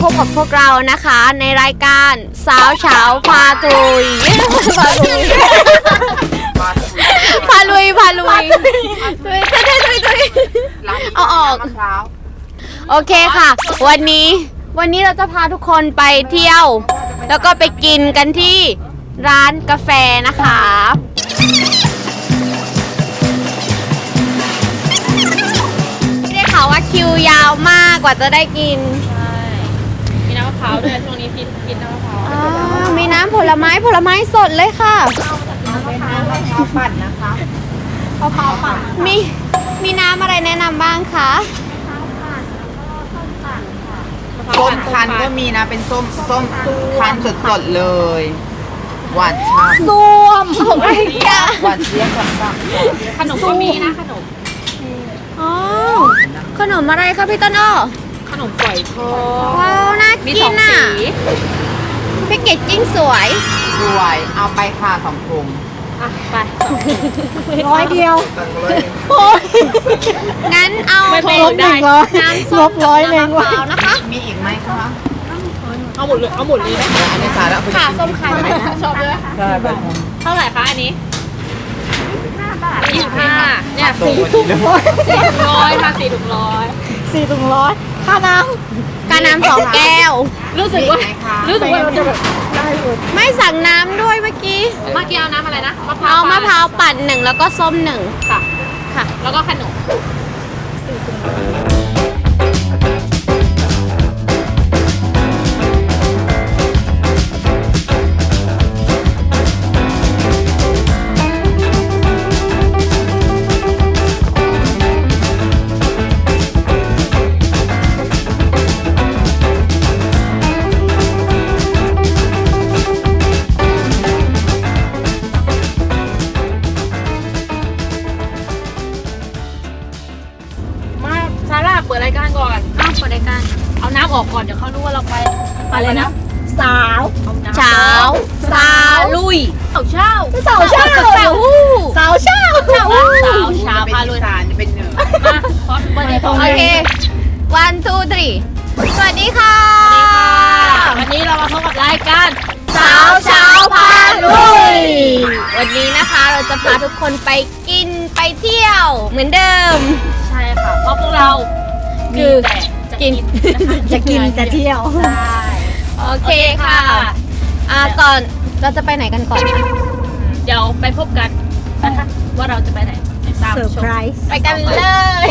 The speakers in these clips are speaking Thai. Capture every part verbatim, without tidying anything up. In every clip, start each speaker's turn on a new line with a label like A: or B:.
A: บกับพวกเรานะคะในรายการสาวเฉาพาตุยพาลุยพาลุยพาลุยตุยตุยตุยตุยตุยเอาออกโอเคค่ะวันนี้วันนี้เราจะพาทุกคนไปเที่ยวแล้วก็ไปกินกันที่ร้านกาแฟนะคะได้ข่าวว่าคิวยาวมากกว่าจะได้กิน
B: ใช่มีน้ำมะพร้าวด้วยช่วงนี้กินกินน้ำมะพร้าว
A: มีน้ำผลไม้ผลไม้สดเลยค่ะ
B: น้ำมะพร้าวมะพร้าวปั่นนะคะมะพร้าวปั่น
A: มีมีน้ำอะไรแนะนำบ้างคะ
C: ส้มคั้นก็มีนะเป็นส้มส้มคั้นสดๆเลยหวานฉ่ำ
A: ส้มอะไรกัน
C: หวานเจี๊ยบกับ
B: ขนมก็มีนะขนม
A: อ๋อขนมอะไรคะพี่ต้นอ้อ
B: ขนมฝอยทอด
A: ว้าวน่ากินอ่ะแพ็กเกจจิ้งสวย
C: สวยเอาไปค่ะสองถุง
B: อ่ะไป
A: ร้อยเดียวโอ้ยงั้นเอาเป็นน้ำส้มร้อยเลยว่ะนะคะ
C: มีอีกไหมคะ
B: เอาหมดเลยเอาหมดเลยไหม
C: อันนี้สาระ
B: ค่ะส้มไข่ไหนนะชอบเลย
C: ใช่ไป
B: เท่าไหร่คะอันนี้ยี่สิบห้าเนี่ย
C: สี่ถุงร้อย
B: สี่ถุงร้อยค่ะสี่ถุงร้อย
A: สี่ถุงร้อยค่าน้ำค่าน้ำสองแก้ว
B: รู้สึกว่ารู้สึกว่าจะแบบ
A: ไม่สั่งน้ำด้วยเมื่อกี้
B: เมื่อกี้เอาน้ำอะไรนะมะพร้า
A: วมะพร้าวปั่นหนึ่งแล้วก็ส้มหนึ่ง
B: ค่ะ
A: ค่ะ
B: แล้วก็ขนมเปิดรายการก่อน
A: อ้าวเปิดรายการ
B: เอาน้ำออกก่อนเดี๋ยวเขารู้ว่าเราไปอะไรนะ
A: สาวเช้าสาลุย
B: สาวเช้า
A: สาวเช้าสาวสาวเช้าสาว
B: สาวเช้าพาลุย
C: สารเป็นเนื้อ
A: โอเค one two three สวัสดีค่ะ
B: วันนี้เรามาพบกับรายการ
A: สาวเช้าพาลุยวันนี้นะคะเราจะพาทุกคนไปกินไปเที่ยวเหมือนเดิม
B: ใช่ค่ะเพราะพวกเรา
A: คือกินจะกินจะเที่ยว
B: ใช่
A: โอเคค่ะอ่าก่อนเราจะไปไหนกันก่อน
B: เดี๋ยวไปพบกันนะคะว่าเราจะไปไหนตามชม
A: ไปกันเลย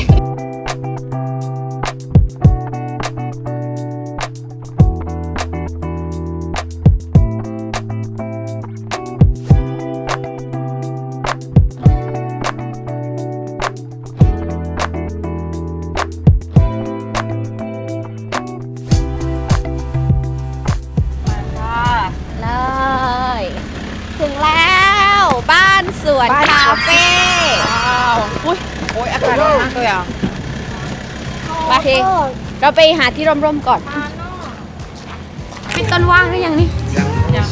A: ถึงแล้วบ้านสวนคาเฟ่
C: ว้าวอุ้ยโอ้ยอากาศร้อนมากเลยอ่ะ
A: โอเคเราไปหาที่ร่มๆก่อนพี่ต้นว่างหรือยังนี่
C: ยัง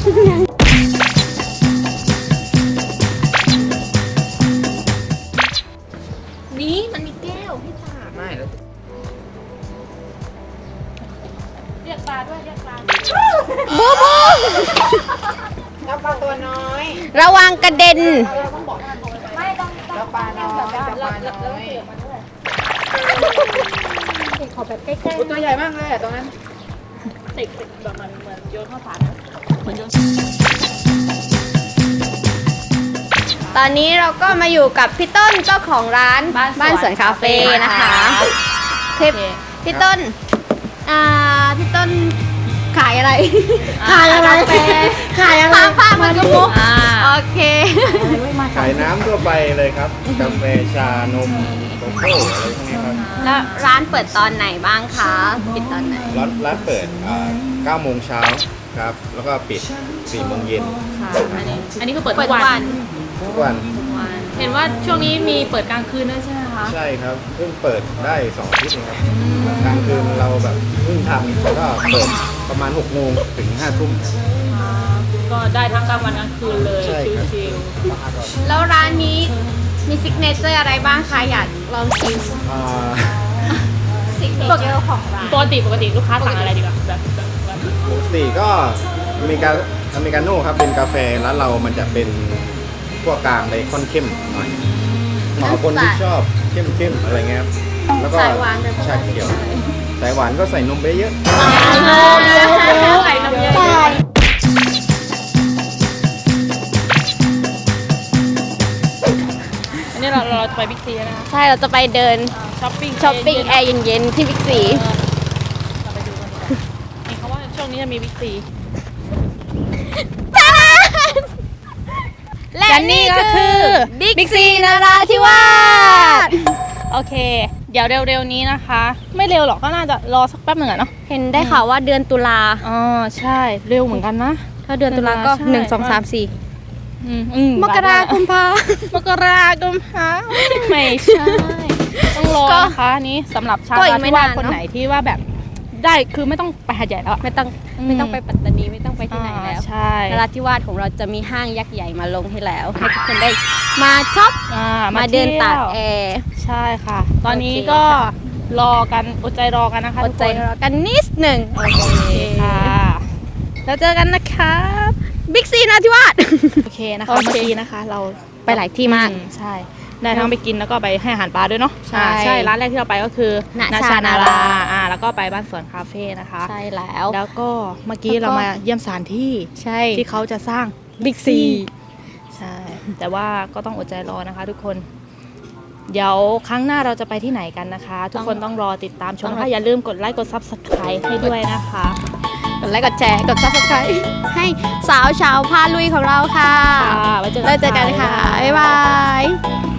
B: นี่มันมีแก้วพี่ตา
C: ไม่แล้ว
B: เรียกปลาด้วยเรียกปลา
A: บูบู
C: แล้วปลาตัวน้อย
A: ระวังกระเด็น
B: ไม่ต้อง
C: แล้วปลาน้อยแล้วปลาน้อย
B: ขอแบบใกล้
C: ๆตัวใหญ่มากเลยอ่ะตรงนั้น
B: ติดติดแบบมันเหมือนโยนข้าวสารเหมือนโยน
A: ตอนนี้เราก็มาอยู่กับพี่ต้นเจ้าของร้านบ้านสวนคาเฟ่นะคะคลิปพี่ต้นอ่าพี่ต้นขายอะไรขายอะไรขายอะไรผ้ามันก็มุกโอเค
D: ขายน้ำทั่วไปเลยครับกาแฟชานมโกโก้อะไรพวกนี้ครับ
A: แล้วร้านเปิดตอนไหนบ้างคะปิดตอนไหน
D: ร้านร้านเปิดเก้าโมงเช้าครับแล้วก็ปิดสี่โมงเย็น
B: อันนี้อันนี้คือเปิดทุกวัน
D: ทุกวัน
B: เห็นว่าช่วงนี้มีเปิดกลางคืนด้วยใช่ไหมคะ
D: ใช่ครับเพิ่งเปิดได้สองอาทิตย์เองครับกลางคืนเราแบบเพิ่งทำก็เปิดประมาณหกโมงถึงห้าทุ่ม
B: ก็ได้ทั้งกลางวันกลางคืนเลยชิล
A: ๆแล้วร้านนี้มีซิกเนเจอร์อะไรบ้างคะอยากลองชิมซิกเนเจอร์ของร้าน
B: ปกติปกติลูกค้าสั่งอะไรดีกว่าแบบแบบแบบ
D: ปกติก็อเมริกาอเมริกาโน่ครับเป็นกาแฟร้านเรามันจะเป็นพวกกลางไปค่อนเข้มหน่อยเหมาะกับคนที่ชอบเข้มๆอะไรเงี้ยครับแล้วก็
A: สายหวานแบบ
D: ชาเขียวสายหวานก็ใส่นมไปเยอะ
B: ใส่น้ำเยอะอันนี้เราเราจะไปบิ๊กซีแล้วนะคะ
A: ใช่เราจะไปเดิน
B: ช้อปปิ้ง
A: ช้อปปิ้งแอร์เย็นๆที่บิ๊กซี
B: เราไปดูกันดีกว่าเห็นเขาว่าช่วงนี้จะมีบิ๊กซี
A: และนี่ก็คือบิ๊กซีนราธิวาส
B: โอเค เดี๋ยวเร็วๆนี้นะคะ ไม่เร็วหรอกก็น่าจะรอสักแป๊บหนึ่งอะเนาะ
A: เห็นได้ข่าวว่าเดือนตุลา
B: อ๋อใช่เร็วเหมือนกันนะ
A: ถ้าเดือนตุลาก็
B: ใช่
A: หนึ่งสองสามสี่
B: อืมอืม
A: มกราคมพาม
B: กราคมพาไม่ใช่ต้องรอ
A: ก็
B: นะคะอันนี้สำหรับชาว
A: ก็อี
B: นาก
A: ไม่
B: ธิวาส
A: นาน
B: คน
A: เนอะ
B: ไหนที่ว่าแบบได้คือไม่ต้องไปหาดใหญ่แล้วอะ
A: ไม่ต้อง
B: อืม
A: ไม่ต้องไปปัตตานีไม่ต้องไปที่ไหนแล้ว
B: อ่าใช่
A: นราธิวาสของเราจะมีห้างยักษ์ใหญ่มาลงให้แล้ว ให้ทุกคนได้มาช็อป
B: อ่
A: มาเดินตาก
B: ที่ยว
A: แอร์
B: ใช่ค่ะ ตอนนี้
A: โอเค
B: ก็
A: ค่ะ
B: รอกันอดใจรอกันนะคะ
A: อ
B: ทุ
A: ด
B: ก
A: ใจ
B: คน
A: รอกันนิดหนึ่ง
B: โอเคค่ะแล้วเจอกันนะครับ
A: บิ๊กซีนราธิวาส
B: โอเคนะคะ
A: โอเค
B: เมื่อกี้นะคะ เรา
A: ไปหลายที่มาก
B: อืใช่ได้ทั้งไปกินแล้วก็ไปให้อาหารปลาด้วยเนาะ
A: ใช่
B: อ่าใช่ร้านแรกที่เราไปก็คือ
A: ณชานารา
B: อ่าแล้วก็ไปบ้านสวนคาเฟ่นะคะ
A: ใช่แล้ว
B: แล้วก็เมื่อกี้
A: แล้วก็
B: เรามาเยี่ยมสถานที่
A: ใช่
B: ที่เขาจะสร้าง
A: บิ๊กซี
B: ใช่ แต่ว่าก็ต้องอดใจรอนะคะ ทุกคน เดี๋ยวครั้งหน้าเราจะไปที่ไหนกันนะคะ ทุกคนต้องรอติดตามชมนะคะอย่าลืมกดไลค์กด ซับสไครบ์ ให้ด้วยนะคะ
A: กดไลค์กดแชร์กดซับสไครต์ให้สาวชาวพาลุยของเราค่ะ
B: ค่ะไว้เจอกัน
A: แล้วเจอกันค่ะ บ๊ายบาย